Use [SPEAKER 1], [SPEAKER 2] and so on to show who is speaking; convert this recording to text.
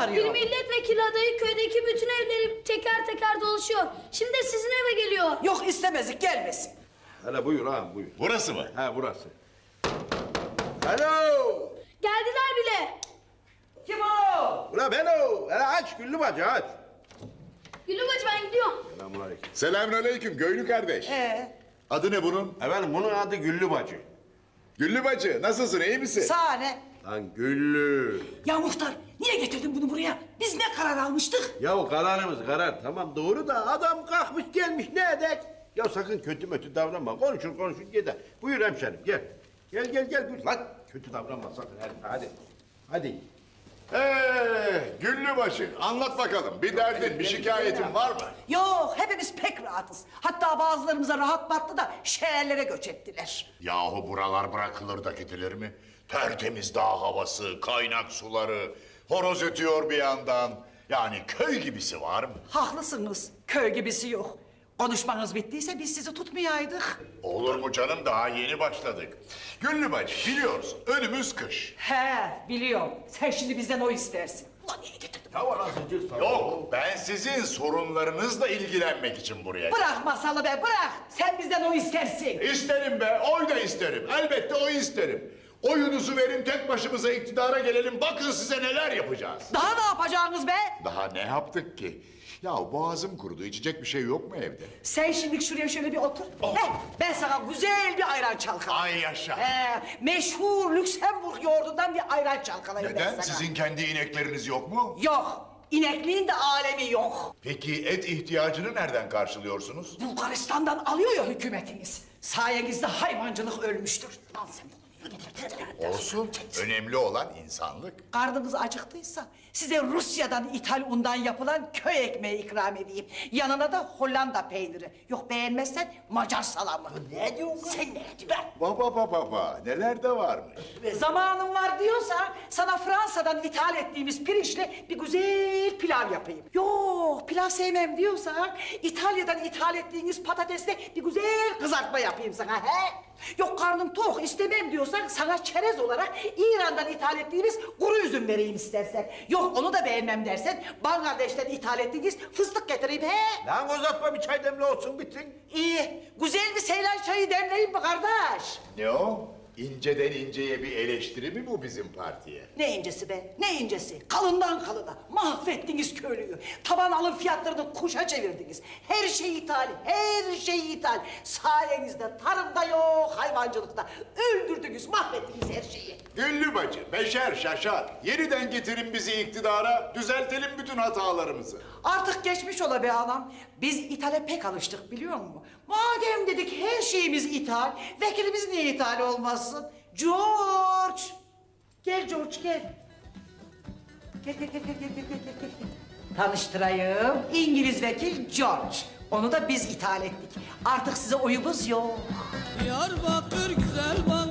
[SPEAKER 1] arıyor.
[SPEAKER 2] Bir milletvekili adayı köydeki bütün evleri teker teker dolaşıyor. Şimdi de sizin eve geliyor.
[SPEAKER 1] Yok istemezdik, gelmesin.
[SPEAKER 3] Hele buyur ağam buyur.
[SPEAKER 4] Burası mı?
[SPEAKER 3] Ha burası. Alo.
[SPEAKER 2] Geldiler bile.
[SPEAKER 1] Kim o?
[SPEAKER 3] Ula ben o. Hele aç Güllü bacı aç.
[SPEAKER 2] Gülüm bacı ben gidiyorum.
[SPEAKER 3] Selamünaleyküm.
[SPEAKER 4] Selamünaleyküm Göylü kardeş. Adı ne bunun?
[SPEAKER 3] Efendim bunun adı Güllü bacı.
[SPEAKER 4] Güllü bacı, nasılsın, iyi misin?
[SPEAKER 1] Sahne.
[SPEAKER 3] Lan Güllü.
[SPEAKER 1] Ya muhtar, niye getirdin bunu buraya? Biz ne karar almıştık?
[SPEAKER 3] Ya kararımız karar tamam doğru da adam kalkmış gelmiş ne edek? Ya sakın kötü mötü davranma. Konuşur gider. Buyur hemşerim gel. Gel buyur. Lan kötü davranma sakın hadi. Hadi.
[SPEAKER 4] Güllü bacı, anlat bakalım. Bir derdin, bir şikayetin var mı?
[SPEAKER 1] Yok, hepimiz pek rahatız. Hatta bazılarımıza rahat battı da şehirlere göç ettiler.
[SPEAKER 4] Yahu buralar bırakılır da gidilir mi? Tertemiz dağ havası, kaynak suları, horoz ötüyor bir yandan. Yani köy gibisi var mı?
[SPEAKER 1] Haklısınız, köy gibisi yok. Konuşmanız bittiyse biz sizi tutmayaydık.
[SPEAKER 4] Olur mu canım, daha yeni başladık. Güllü bacı, biliyoruz, önümüz kış.
[SPEAKER 1] He, biliyorum. Sen şimdi bizden o istersin. Ulan niye getirdin?
[SPEAKER 3] Ya anasını cız
[SPEAKER 4] Yok, ben sizin sorunlarınızla ilgilenmek için buraya
[SPEAKER 1] Bırak masalı be, bırak. Sen bizden o istersin.
[SPEAKER 4] İsterim be, oy da isterim. Elbette oy isterim. Oyunuzu verin, tek başımıza iktidara gelelim. Bakın size neler yapacağız.
[SPEAKER 1] Daha ne yapacaksınız be?
[SPEAKER 4] Daha ne yaptık ki? Ya boğazım kurudu, içecek bir şey yok mu evde?
[SPEAKER 1] Sen şimdi şuraya şöyle bir otur. Heh, ben sana güzel bir ayran çalkalayayım.
[SPEAKER 4] Ay yaşa.
[SPEAKER 1] Meşhur Lüksemburg yoğurdundan bir ayran çalkalayayım ben
[SPEAKER 4] Neden?
[SPEAKER 1] sana.
[SPEAKER 4] Sizin kendi inekleriniz yok mu?
[SPEAKER 1] Yok. İnekliğin de alemi yok.
[SPEAKER 4] Peki et ihtiyacını nereden karşılıyorsunuz?
[SPEAKER 1] Bulgaristan'dan alıyor ya hükümetiniz. Sayenizde hayvancılık ölmüştür. Al sen bunu.
[SPEAKER 4] Olsun. Önemli olan insanlık.
[SPEAKER 1] Karnınız acıktıysa size Rusya'dan ithal undan yapılan köy ekmeği ikram edeyim. Yanına da Hollanda peyniri. Yok beğenmezsen Macar salamı. Ne diyorsun? Sen ne diyorsun?
[SPEAKER 4] Baba, neler de varmış.
[SPEAKER 1] Zamanın var diyorsan sana Fransa'dan ithal ettiğimiz pirinçle bir güzel pilav yapayım. Yok pilav sevmem diyorsan İtalya'dan ithal ettiğiniz patatesle bir güzel kızartma yapayım sana he? Yok karnım tok istemem diyorsan sana çerez olarak İran'dan ithal ettiğimiz kuru üzüm vereyim istersen. Yok onu da beğenmem dersen Bangladeş'ten ithal ettiğiniz fıstık getireyim he?
[SPEAKER 3] Lan uzatma bir çay demle olsun bitsin.
[SPEAKER 1] İyi güzel bir Seylan çayı demleyeyim mi kardeş?
[SPEAKER 4] Ne o? İnceden inceye bir eleştiri mi bu bizim partiye?
[SPEAKER 1] Ne incesi be, ne incesi? Kalından kalına mahvettiniz köylüyü. Taban alım fiyatlarını kuşa çevirdiniz. Her şey ithal, her şey ithal. Sayenizde tarımda yok, hayvancılıkta. Öldürdünüz, mahvettiniz her şeyi.
[SPEAKER 4] Güllü bacı, beşer şaşar. Yeniden getirin bizi iktidara, düzeltelim bütün hatalarımızı.
[SPEAKER 1] Artık geçmiş ola be anam. Biz ithale pek alıştık biliyor musun? Madem dedik her şeyimiz ithal, vekilimiz niye ithal olmasın? George! Gel George gel. Gel. Tanıştırayım. İngiliz vekil George. Onu da biz ithal ettik. Artık size oyumuz yok.
[SPEAKER 5] Diyarbakır güzel bana